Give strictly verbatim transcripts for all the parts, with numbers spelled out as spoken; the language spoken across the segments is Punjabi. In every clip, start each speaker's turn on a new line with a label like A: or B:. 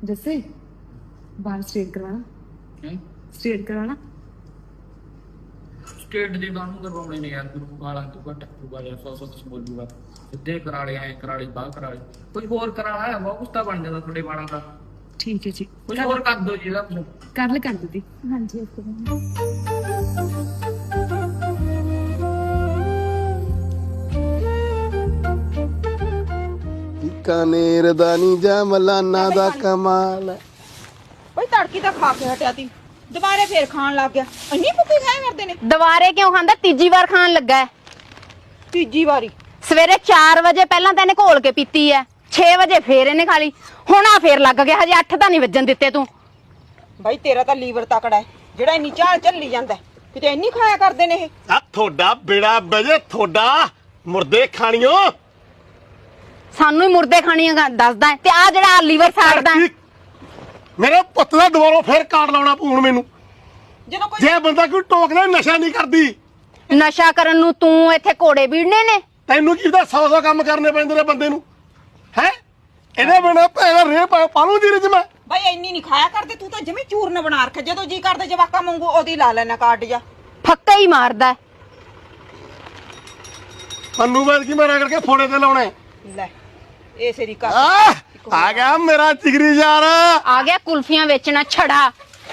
A: जैसे बाल स्ट्रेट करवाना स्ट्रेट करवाना
B: ਸਟੇਟ ਦੇ ਕਾਨੂੰ ਕਰਵਾਉਣੇ ਨੇ ਯਾਰ ਗੁਰੂ ਵਾਲਾਂ ਤੋਂ ਘੱਟ ਕਰੂਗਾ ਜਾਂ ਸੌ ਸੌ ਕੁਛ ਬੋਲੂਗਾ ਸਿੱਧੇ ਕਰਾ ਲਏ ਐ ਕਰਾ ਲਈ ਬਾਹ ਕਰਾ ਲਈ ਕੋਈ ਹੋਰ ਕਰਾਣਾ ਹੈ ਬਹੁਤ ਕੁਛ ਤਾਂ ਬਣ ਜਾਂਦਾ ਤੁਹਾਡੇ ਵਾਲਾਂ ਦਾ
A: ठीक है जी
B: ਕੁਝ ਹੋਰ ਕਰ ਦੋ ਜੀ ਇਹਦਾ ਕੁਛ
A: कर ले कर दी हाँ जी
C: बीकानेर दा नी जमलाना दा कमाल है।
D: ਬਈ ਤੜਕੀ ਤਾਂ ਖਾ ਕੇ ਹਟਿਆ ਤੀ ਦੁਬਾਰੇ ਫੇਰ ਖਾਣ ਲੱਗ ਗਿਆ ਇੰਨੀ ਭੁੱਖੀ ਖਾਏ ਕਰਦੇ ਨੇ
E: ਦੁਬਾਰੇ ਕਿਉਂ ਖਾਂਦਾ ਤੀਜੀ ਵਾਰ ਖਾਣ ਲੱਗਾ ਹੈ
D: ਤੀਜੀ ਵਾਰੀ
E: ਸਵੇਰੇ ਚਾਰ ਵਜੇ ਪਹਿਲਾਂ ਤਾਂ ਇਹਨੇ ਘੋਲ ਕੇ ਪੀਤੀ ਹੈ ਛੇ ਵਜੇ ਫੇਰ ਇਹਨੇ ਖਾ ਲਈ ਹੁਣ ਆ ਫੇਰ ਲੱਗ ਗਿਆ ਹਜੇ ਅੱਠ ਤਾਂ ਨਹੀਂ ਵੱਜਣ ਦਿੱਤੇ ਤੂੰ
D: ਬਈ ਤੇਰਾ ਤਾਂ ਲੀਵਰ ਤਕੜਾ ਹੈ ਜਿਹੜਾ ਇੰਨੀ ਚਾਲ ਚੱਲੀ ਜਾਂਦਾ ਹੈ। ਕਿਤੇ ਇੰਨੀ ਖਾਇਆ ਕਰਦੇ ਨੇ ਇਹ
C: ਆ ਤੁਹਾਡਾ ਬੇੜਾ ਬਜੇ ਤੁਹਾਡਾ ਮੁਰਦੇ ਖਾਣੀਓ
E: ਸਾਨੂੰ ਹੀ ਮੁਰਦੇ ਖਾਣੀਆਂ ਦੱਸਦਾ ਹੈ ਤੇ ਆ ਜਿਹੜਾ ਲੀਵਰ ਸਾੜਦਾ ਹੈ।
C: ਮੇਰੇ ਪੁੱਤ ਦਾ ਦੁਬਾਰਾ ਫੇਰ ਕਾਰਡ ਲਾਉਣਾ ਪੂਣ ਮੈਨੂੰ
D: ਜਦੋਂ ਕੋਈ
C: ਜੇ ਬੰਦਾ ਕੋਈ ਟੋਕਦਾ ਨਸ਼ਾ ਨਹੀਂ ਕਰਦੀ
E: ਨਸ਼ਾ ਕਰਨ ਨੂੰ ਤੂੰ ਇੱਥੇ ਘੋੜੇ ਵੀੜਨੇ ਨੇ
C: ਤੈਨੂੰ ਕੀ ਪਤਾ ਸੌ ਸੌ ਕੰਮ ਕਰਨੇ ਪੈਂਦੇ ਨੇ ਬੰਦੇ ਨੂੰ ਹੈ ਇਹਦੇ ਬਿਨਾ ਭੈਣਾ ਰੇ ਪਾਲੂ ਦੀ ਰਿਜ ਮੈਂ
D: ਬਈ ਇੰਨੀ ਨਹੀਂ ਖਾਇਆ ਕਰਦੇ ਤੂੰ ਤਾਂ ਜਮੀ ਚੂਰਨ ਬਣਾ ਰੱਖਿਆ ਜਦੋਂ ਜੀ ਕਰਦੇ ਜਵਾਕਾਂ ਵਾਂਗੂ ਉਹਦੀ ਲਾ ਲੈਣਾ ਕਾਰਡ ਜਾ
E: ਫੱਕਾ ਹੀ ਮਾਰਦਾ ਹੈ।
C: ਪੰਨੂ ਬਾਦ ਕੀ ਮਾਰਾ ਕਰਕੇ ਫੋੜੇ ਤੇ ਲਾਉਣੇ
D: ਲੈ ਇਹ ਸੇਰੀ ਕਰ
C: ਆ ਆ ਗਿਆ ਮੇਰਾ ਜਿਗਰੀ ਯਾਰ
E: ਆ ਗਿਆ ਕੁਲਫੀਆਂ ਵੇਚਣਾ ਛੜਾ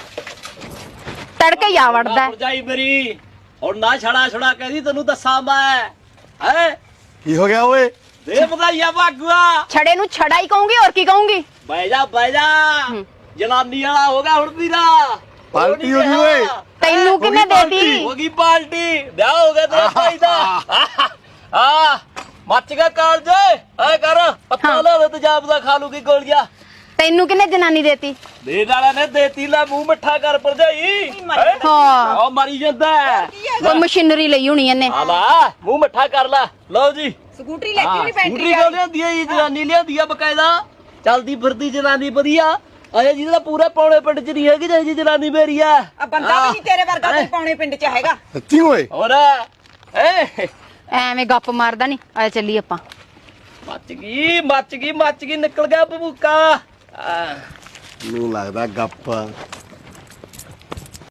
E: ਤੜਕੇ ਆ ਵੜਦਾ ਹੈ।
F: ਭਰਜਾਈ ਮੇਰੀ ਹੁਣ ਨਾ ਛੜਾ ਛੜਾ ਕਹਿੰਦੀ ਤੈਨੂੰ ਦੱਸਾਂ ਮੈਂ ਹੈ
C: ਕੀ ਹੋ ਗਿਆ ਓਏ
F: ਦੇ ਵਧਾਈਆਂ ਭਾਗੂਆ
E: ਛੜੇ ਨੂੰ ਛੜਾ ਹੀ ਕਹੂੰਗੀ ਹੋਰ ਕੀ ਕਹੂੰਗੀ
F: ਬਹਿ ਜਾ ਬਹਿ ਜਾ ਜਨਾਨੀ ਵਾਲਾ ਹੋ ਗਿਆ ਹੁਣ ਵੀਰਾ
C: ਪਾਲਟੀ ਹੋ ਗਈ ਓਏ
E: ਤੈਨੂੰ ਕਿਵੇਂ ਦੇਤੀ
F: ਹੋ ਗਈ ਪਾਲਟੀ ਵਿਆਹ ਹੋ ਗਿਆ ਤੇਰੇ ਭਾਈ ਦਾ ਆ ਮੱਚ ਗਿਆ ਕਾਲਜ ਐ ਕਰ ਪੱਤਾ ਲਾ ਲੈ ਤੇਜਾਬ ਦਾ ਖਾ ਲੂਗੀ ਗੋਲੀਆਂ
E: ਤੈਨੂੰ ਕਿਨੇ ਜਨਾਨੀ ਦੇਤੀ
F: ਦੇ ਵਾਲਾ ਨੇ ਦੇਤੀ ਲੈ ਮੂੰਹ ਮਿੱਠਾ ਕਰ ਭਰਜਾਈ
E: ਹਾਂ
F: ਉਹ ਮਰੀ ਜਾਂਦਾ
E: ਉਹ ਮਸ਼ੀਨਰੀ ਲਈ ਹੋਣੀ ਇਹਨੇ
F: ਆ ਲਾ ਮੂੰਹ ਮਿੱਠਾ ਕਰ ਲੈ ਲਓ ਜੀ
D: ਸਕੂਟਰੀ ਲੈ ਕੇ ਨਹੀਂ ਪੈਂਦੀ
F: ਸਕੂਟਰੀ ਕਿਉਂ ਲਿਆਂਦੀ ਆ ਜੀ ਜਨਾਨੀ ਲਿਆਂਦੀ ਆ ਬਕਾਇਦਾ ਚੱਲਦੀ ਫਿਰਦੀ ਜਨਾਨੀ ਵਧੀਆ ਅਜੇ ਜਿਹਦਾ ਪੂਰੇ ਪੌਣੇ ਪਿੰਡ ਚ ਨਹੀਂ ਹੈਗੀ ਜਿਹੀ ਜਨਾਨੀ ਮੇਰੀ ਆ
D: ਆ ਬੰਦਾ ਵੀ ਨਹੀਂ ਤੇਰੇ ਵਰਗਾ ਕੋਈ ਪੌਣੇ ਪਿੰਡ ਚ ਹੈਗਾ
C: ਸੱਚੀ ਓਏ
F: ਹੋਰ ਏ
E: ਐਵੇਂ ਗੱਪ ਮਾਰਦਾ ਨਹੀਂ ਆ ਚੱਲੀ ਆਪਾਂ
F: ਮੱਚ ਗਈ ਮੱਚ ਗਈ ਮੱਚ ਗਈ ਨਿਕਲ ਗਿਆ ਬਬੂਕਾ
C: ਨੂੰ ਲੱਗਦਾ ਗੱਪ